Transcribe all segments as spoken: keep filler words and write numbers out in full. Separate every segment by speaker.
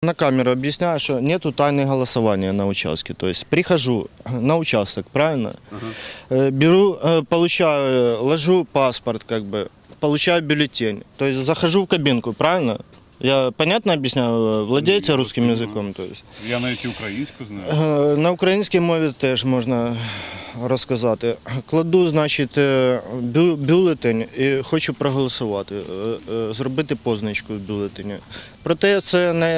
Speaker 1: на камеру объясняю, что нету тайны голосования на участке. То есть прихожу на участок, правильно? Ага. Беру, получаю, ложу паспорт, как бы, получаю бюллетень. То есть захожу в кабинку, правильно? Я понятно об'ясняю? Владієте русским язиком? То есть?
Speaker 2: Я навіть і українську знаю.
Speaker 1: На українській мові теж можна розказати. Кладу, значить, бю бюлетень і хочу проголосувати, зробити позначку в бюлетені. Проте це не,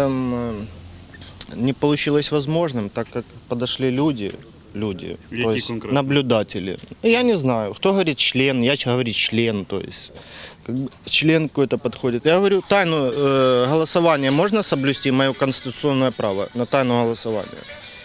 Speaker 1: не вийшло можливим, так як підійшли люди. Люди, то есть наблюдатели. Я не знаю, кто говорит член, я говорю член, то есть как бы член какой-то подходит. Я говорю, тайну э, голосования можно соблюсти, мое конституционное право на тайну голосования.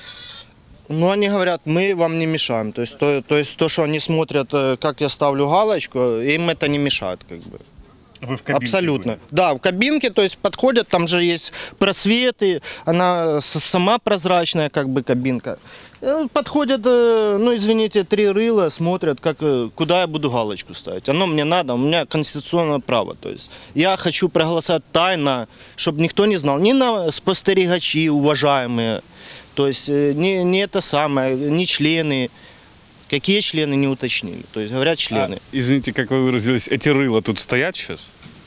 Speaker 1: Но они говорят, мы вам не мешаем. То есть то, то, есть, то что они смотрят, как я ставлю галочку, им это не мешает, как бы.
Speaker 2: Вы в кабинке
Speaker 1: Абсолютно.
Speaker 2: были?
Speaker 1: Да, в кабинке, то есть подходят, там же есть просветы, она сама прозрачная, как бы, кабинка. Подходят, ну, извините, три рыла, смотрят, как, куда я буду галочку ставить. Оно мне надо, у меня конституционное право. То есть я хочу проголосовать тайно, чтобы никто не знал, ни на спостерігачі, уважаемые, то есть не, не это самое, не члены. Какие члены не уточнили? То есть говорят члены.
Speaker 2: А, извините, как вы выразились, эти рыла тут стоят сейчас?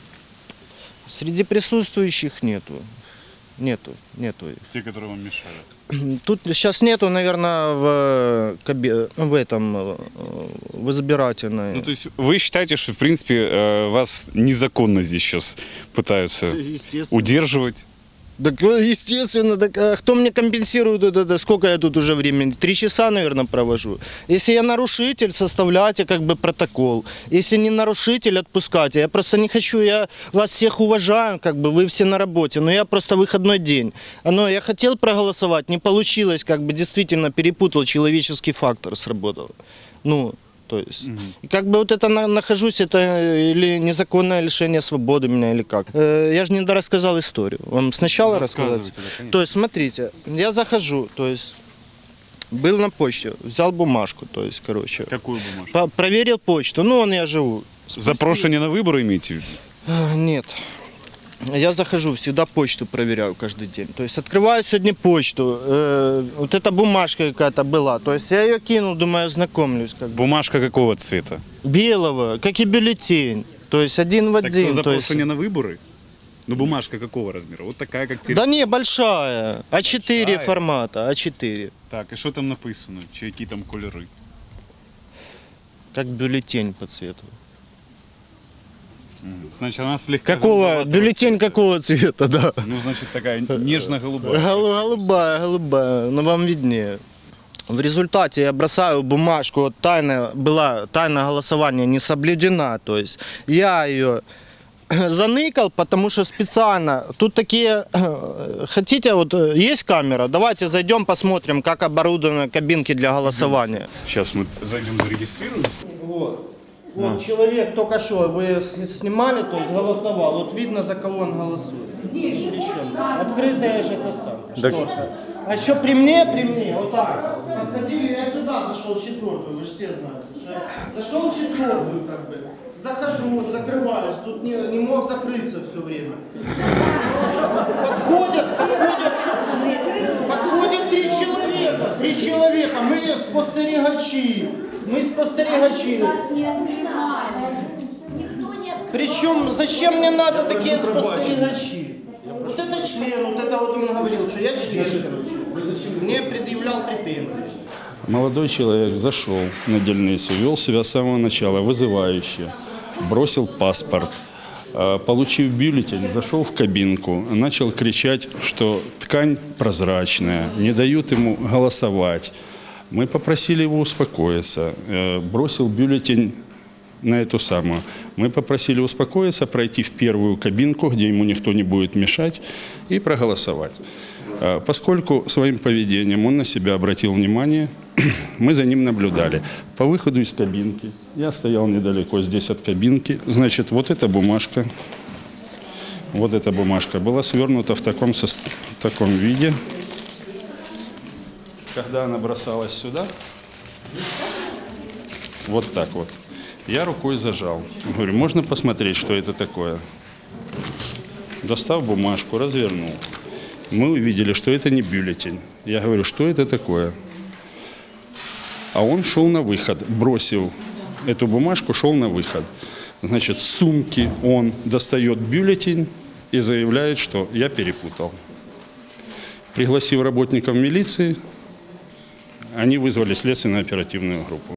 Speaker 1: Среди присутствующих нету. Нету, нету.
Speaker 2: Те, которые вам мешают?
Speaker 1: Тут сейчас нету, наверное, в, в этом, в избирательной.
Speaker 2: Ну, то есть вы считаете, что, в принципе, вас незаконно здесь сейчас пытаются удерживать?
Speaker 1: Так, естественно, так, а кто мне компенсирует это, сколько я тут уже времени? Три часа, наверное, провожу. Если я нарушитель, составляйте как бы протокол. Если не нарушитель, отпускайте. Я просто не хочу, я вас всех уважаю, как бы вы все на работе, но я просто выходной день. Но я хотел проголосовать, не получилось, как бы действительно перепутал, человеческий фактор сработал. Ну, то есть, угу. И как бы вот это на, нахожусь, это или незаконное лишение свободы меня, или как. Э, я же не дорассказал историю. Вам сначала рассказать? Да, то есть, смотрите, я захожу, то есть, был на почте, взял бумажку, то есть, короче.
Speaker 2: Какую бумажку?
Speaker 1: По проверил почту, ну, вон я живу.
Speaker 2: Запрошение на выборы имеете в виду?
Speaker 1: Э, нет. Я захожу, всегда почту проверяю каждый день. То есть открываю сегодня почту, э, вот эта бумажка какая-то была, то есть я ее кинул, думаю, ознакомлюсь. Как бы.
Speaker 2: Бумажка какого цвета?
Speaker 1: Белого, как и бюллетень, то есть один в один.
Speaker 2: Так что, запрошение
Speaker 1: есть...
Speaker 2: на выборы? Ну бумажка какого размера? Вот такая, как...
Speaker 1: Да не, большая, а четыре формата, а четыре.
Speaker 2: Так, и что там написано? Какие там кольоры?
Speaker 1: Как бюллетень по цвету.
Speaker 2: Значит, она слегка...
Speaker 1: Какого? Бюллетень цвета. Какого цвета, да.
Speaker 2: Ну, значит, такая нежно-голубая.
Speaker 1: Голубая, голубая, но вам виднее. В результате я бросаю бумажку, вот тайна была, тайна голосования не соблюдена, то есть я ее заныкал, потому что специально, тут такие, хотите, вот есть камера, давайте зайдем посмотрим, как оборудованы кабинки для голосования.
Speaker 2: Сейчас мы зайдем, зарегистрируемся.
Speaker 1: Вот. Вот человек только что, вы снимали, то есть голосовал, вот видно, за кого он голосует. Открытая же это шторка. А еще при мне, при мне, вот так, подходили, я сюда зашел в четвертую, вы же все знаете. Зашел в четвертую, как бы, захожу, закрываюсь, тут не, не мог закрыться все время. Подходят, подходят, подходят три человека, три человека, мы спостерігачі. Мы спостерігачі. Причем, зачем мне надо такие спостерігачі? Вот это член, вот это вот он говорил, что я член, короче. Мне предъявлял претензии.
Speaker 3: Молодой человек зашел на дельницу, вел себя с самого начала вызывающе, бросил паспорт, получив бюллетень, зашел в кабинку, начал кричать, что ткань прозрачная, не дают ему голосовать. Мы попросили его успокоиться, бросил бюллетень на эту самую. Мы попросили успокоиться, пройти в первую кабинку, где ему никто не будет мешать, и проголосовать. Поскольку своим поведением он на себя обратил внимание, мы за ним наблюдали. По выходу из кабинки, я стоял недалеко здесь от кабинки, значит, вот эта бумажка, вот эта бумажка была свернута в таком, в таком виде. Когда она бросалась сюда, вот так вот, я рукой зажал. Говорю, можно посмотреть, что это такое? Достав бумажку, развернул. Мы увидели, что это не бюллетень. Я говорю, что это такое? А он шел на выход, бросил эту бумажку, шел на выход. Значит, с сумки он достает бюллетень и заявляет, что я перепутал. Пригласив работников милиции, они вызвали следственно-оперативную группу.